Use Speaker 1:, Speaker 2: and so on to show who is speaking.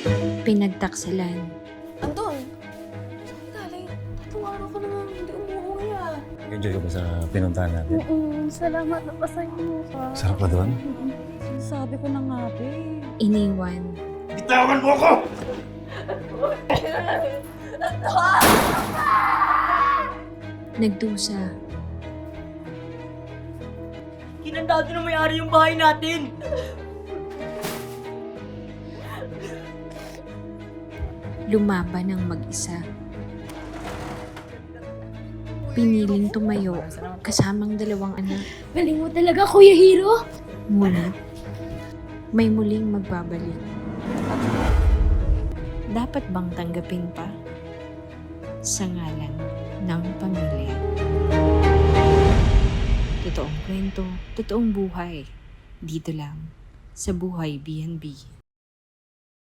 Speaker 1: Pinagtaksalan.
Speaker 2: Anton! Saan galing? 3 araw ka naman hindi umuwi ah.
Speaker 3: Enjoy ka ba sa pinuntahan natin?
Speaker 2: Salamat na pasay mo ka.
Speaker 3: Sarap ka doon?
Speaker 2: Sabi ko na nga,
Speaker 1: Iniwan.
Speaker 3: Bitawan mo ako!
Speaker 1: Nagdusa.
Speaker 4: Kinandado na may-ari yung bahay natin!
Speaker 1: Lumaban ng mag-isa. Piniling tumayo kasamang 2 anak.
Speaker 2: Galing mo talaga, Kuya Hiro!
Speaker 1: Ngunit, may muling magbabalik. Dapat bang tanggapin pa? Sa ngalan ng pamilya. Totoong kwento, totoong buhay. Dito lang, sa Buhay B&B.